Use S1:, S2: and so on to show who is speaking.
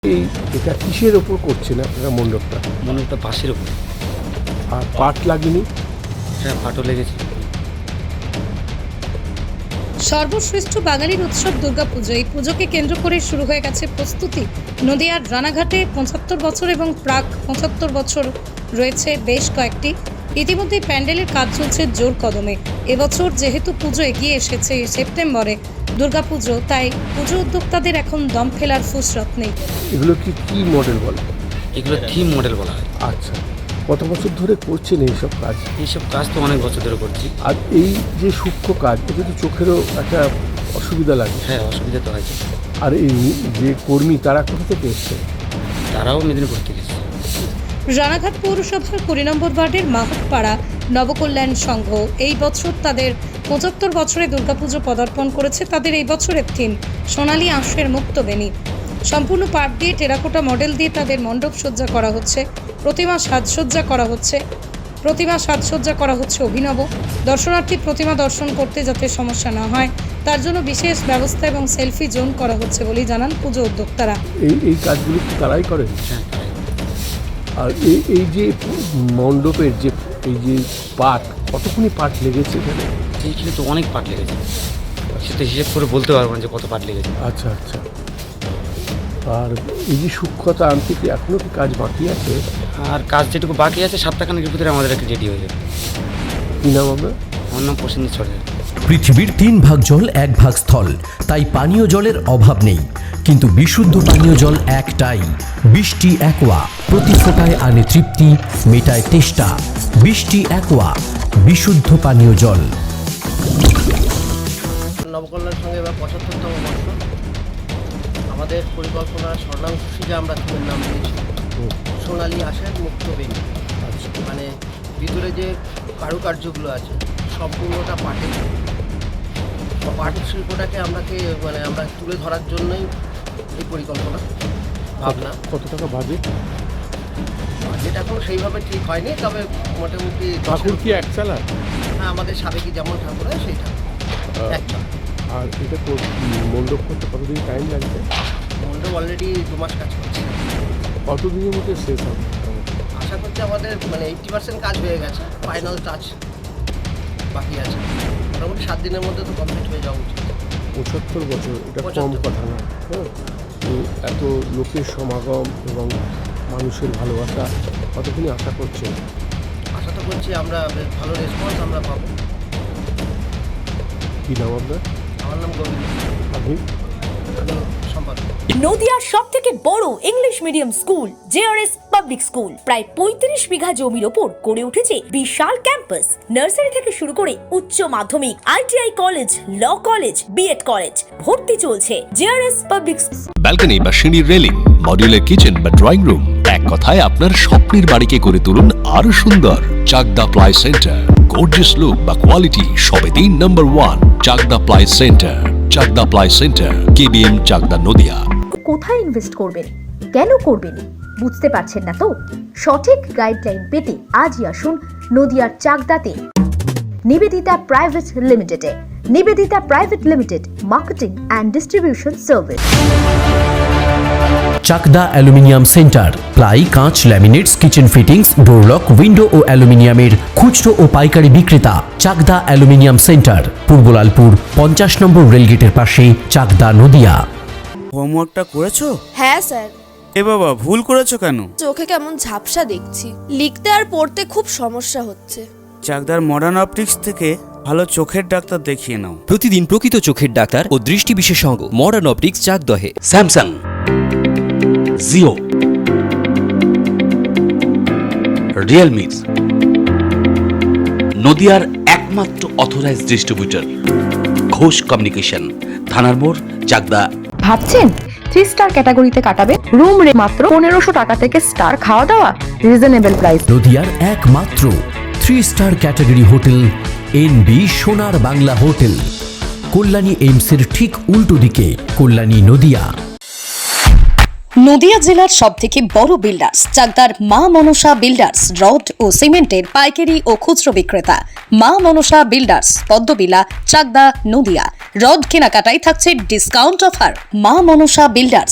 S1: এটা কিসের ওপর করছেন আপনারা মণ্ডপটা?
S2: মণ্ডপটা বাঁশের ওপর।
S1: আর পাট লাগেনি?
S2: হ্যাঁ, পাটও লেগেছে।
S3: সর্বশ্রেষ্ঠ বাঙালির উৎসব দুর্গাপুজো। এই পুজোকে কেন্দ্র করে শুরু হয়ে গেছে প্রস্তুতি। নদিয়ার রানাঘাটে ৭৫ বছর এবং প্রাক ৭৫ বছর রয়েছে বেশ কয়েকটি। ইতিমধ্যে প্যান্ডেলের কাজ চলছে জোর কদমে। এবছর যেহেতু পুজো এগিয়ে এসেছে সেপ্টেম্বরে দুর্গাপুজো, তাই পুজো উদ্যোক্তাদের এখন দম ফেলার ফুসরত নেই।
S1: এগুলো কি মডেল বলে?
S2: এগুলো থিম মডেল বলা হয়।
S1: আচ্ছা, কত বছর ধরে করছেন এইসব কাজ?
S2: এইসব কাজ তো অনেক বছর ধরে করছি।
S1: আর এই যে সূক্ষ্ম কাজ, এটা তো চোখেরও একটা অসুবিধা লাগে।
S2: হ্যাঁ, অসুবিধা তো হয়েছে।
S1: আর এই যে কর্মী, তারা কোথা থেকে এসছে?
S2: তারাও মেদিনীপুর থেকে এসেছে।
S3: রানাঘাট পৌরসভার ২০ নম্বর ওয়ার্ডের মাহতপাড়া নবকল্যাণ সংঘ এই বছর তাদের ৭৫ বছরে দুর্গাপুজো পদার্পণ করেছে। তাদের এই বছরের থিম সোনালী আঁশের মুক্তবেণী। সম্পূর্ণ পাট দিয়ে টেরাকোটা মডেল দিয়ে তাদের মণ্ডপ সজ্জা করা হচ্ছে, প্রতিমা সাজসজ্জা করা হচ্ছে অভিনব। দর্শনার্থী প্রতিমা দর্শন করতে যাতে সমস্যা না হয় তার জন্য বিশেষ ব্যবস্থা এবং সেলফি জোন করা হচ্ছে বলেই জানান পুজো উদ্যোক্তারা।
S1: এই কাজগুলো কি তারাই করেন?
S2: হ্যাঁ, তাই।
S1: আর এই যে মণ্ডপের এই যে পাট, কতক্ষণ পাট লেগেছে এখানে?
S2: এইখানে তো অনেক পাট লেগেছে, সেটা হিসেব করে বলতে পারবো না যে কত পাট লেগেছে।
S1: আচ্ছা আচ্ছা। আর এই যে সূক্ষ্মতা আনতে কি এখনো কি কাজ বাকি আছে?
S2: আর কাজ যেটুকু বাকি আছে সপ্তাহখানেকের ভিতরে আমাদের একটা রেডি হয়ে যাবে।
S1: কি নাম আপনার?
S2: আমার নাম প্রসেনজিৎ সরকার।
S4: পৃথিবীর ৩ ভাগ জল ১ ভাগ স্থল, তাই পানীয় জলের অভাব নেই। কিন্তু বিশুদ্ধ পানীয় জল একটাই, বৃষ্টি অ্যাকোয়া। প্রতি ফোঁটায় আনে তৃপ্তি, মেটায় তেষ্টা। বৃষ্টি অ্যাকোয়া, বিশুদ্ধ পানীয় জল।
S5: নবকল্যাণ সঙ্গে এবার ৭৫তম বর্ষ। আমাদের পরিকল্পনা স্বর্ণাংশে আমরা থিমের নাম দিয়েছি সোনালী আঁশের মুক্তবেণী। মানে ভিতরে যে কারুকার্যগুলো আছে সম্পূর্ণটা পাটের। পাট শিল্পটাকে আমরা তুলে ধরার জন্যই এই পরিকল্পনা ভাবনা।
S1: কত টাকা বাজেট?
S5: বাজেট এখন সেইভাবে ঠিক হয়নি, তবে মোটামুটি
S1: ঠাকুর কি এক চালা?
S5: হ্যাঁ, আমাদের সাবেকি যেমন ঠাকুর হয় সেইটা একটা।
S1: আর এটা মণ্ডপ করতে কতদিন টাইম লাগবে?
S5: মণ্ডপ অলরেডি ২ মাস কাজ করছে।
S1: কতদিনের মধ্যে শেষ হবে?
S5: আশা করছি আমাদের 80% কাজ হয়ে গেছে, ফাইনাল টাচ বাকি আছে। মোটামুটি ৭ দিনের মধ্যে তো কমপ্লিট হয়ে যাওয়া উচিত।
S1: ৭৫ বছর, এটা কম
S5: ৭৫
S1: কথা না। হ্যাঁ, তো এত লোকের সমাগম এবং মানুষের ভালোবাসা কতদিনই আশা করছেন?
S5: আশা তো করছি আমরা বেশ ভালো রেসপন্স আমরা পাবো।
S1: কী নাম আপনার?
S5: আমার নাম গোবিন্দ,
S1: আপনি?
S5: আমি সম্পাদক।
S6: নদিয়ার সবথেকে বড় English medium school JRS public school প্রায় ৩৫ বিঘা জমির ওপর গড়ে উঠেছে বিশাল ক্যাম্পাস। নার্সারি থেকে শুরু করে উচ্চ মাধ্যমিক, ITI college, law college, BEd college ভর্তি চলছে জেআরএস পাবলিক।
S7: ব্যালকনি বা সিঁড়ির রেলিং, মডিউলার কিচেন বা ড্রয়িং রুম, এক কথায় আপনার স্বপ্নের বাড়িকে করে তুলুন আরো সুন্দর। Chakda ply centre, gorgeous look বা কোয়ালিটি সবে ৩ number 1 Chakda ply centre. Chakda ply centre, KBM, Chakda, Nadia.
S8: কোথায় ইনভেস্ট করবেন, কেন করবেন বুঝতে পারছেন না তো? সঠিক গাইডলাইন পেতে আজই আসুন নদিয়ার চাকদাতে নিবেদিতা প্রাইভেট লিমিটেডে। Nivedita private limited, marketing and distribution service.
S4: Chakda aluminium centre, ply, কাঁচ, laminates, kitchen fittings, door lock, window ও অ্যালুমিনিয়ামের খুচরো ও পাইকারি বিক্রেতা। Chakda aluminium centre, Purbalalpur ৫০ number রেলগেটের পাশে, চাকদা, নদিয়া।
S9: হোমওয়ার্কটা করেছো?
S10: হ্যাঁ স্যার।
S9: এ বাবা, ভুল করেছো কেন?
S10: চোখে কেমন ঝাপসা দেখছি, লিখতে আর পড়তে খুব সমস্যা হচ্ছে।
S9: চাকদার মডার্ন অপটিক্স থেকে ভালো চোখের ডাক্তার দেখিয়ে নাও।
S11: প্রতিদিন প্রকৃত চোখের ডাক্তার ও দৃষ্টি বিশেষজ্ঞ মডার্ন অপটিক্স, চাকদহে।
S7: স্যামসাং, জিও, রিয়েলমি, নদিয়ার একমাত্র অথরাইজড ডিস্ট্রিবিউটর ঘোষ কমিউনিকেশন, থানার মোড়, চাকদা।
S8: ভাবছেন 3 স্টার ক্যাটাগরিতে কাটাবে? রুম রে মাত্র ১৫০০ টাকা থেকে স্টার, খাওয়া দাওয়া রিজনেবল প্রাইস।
S4: নদিয়ার একমাত্র 3 স্টার ক্যাটাগরি হোটেল এনবি সোনার বাংলা হোটেল, কল্যাণী এইমসের ঠিক উল্টো দিকে, কল্যাণী, নদিয়া।
S3: নদিয়া জেলার সবথেকে বড় বিল্ডার্স চাকদার মা মনসা বিল্ডার্স, রড ও সিমেন্টের পাইকারি ও খুচরো বিক্রেতা। মা মনসা বিল্ডার্স, পদ্মবিলা, চাকদা, নদিয়া। রড কেনাকাটায় থাকছে ডিসকাউন্ট অফার। মা মনসা বিল্ডার্স।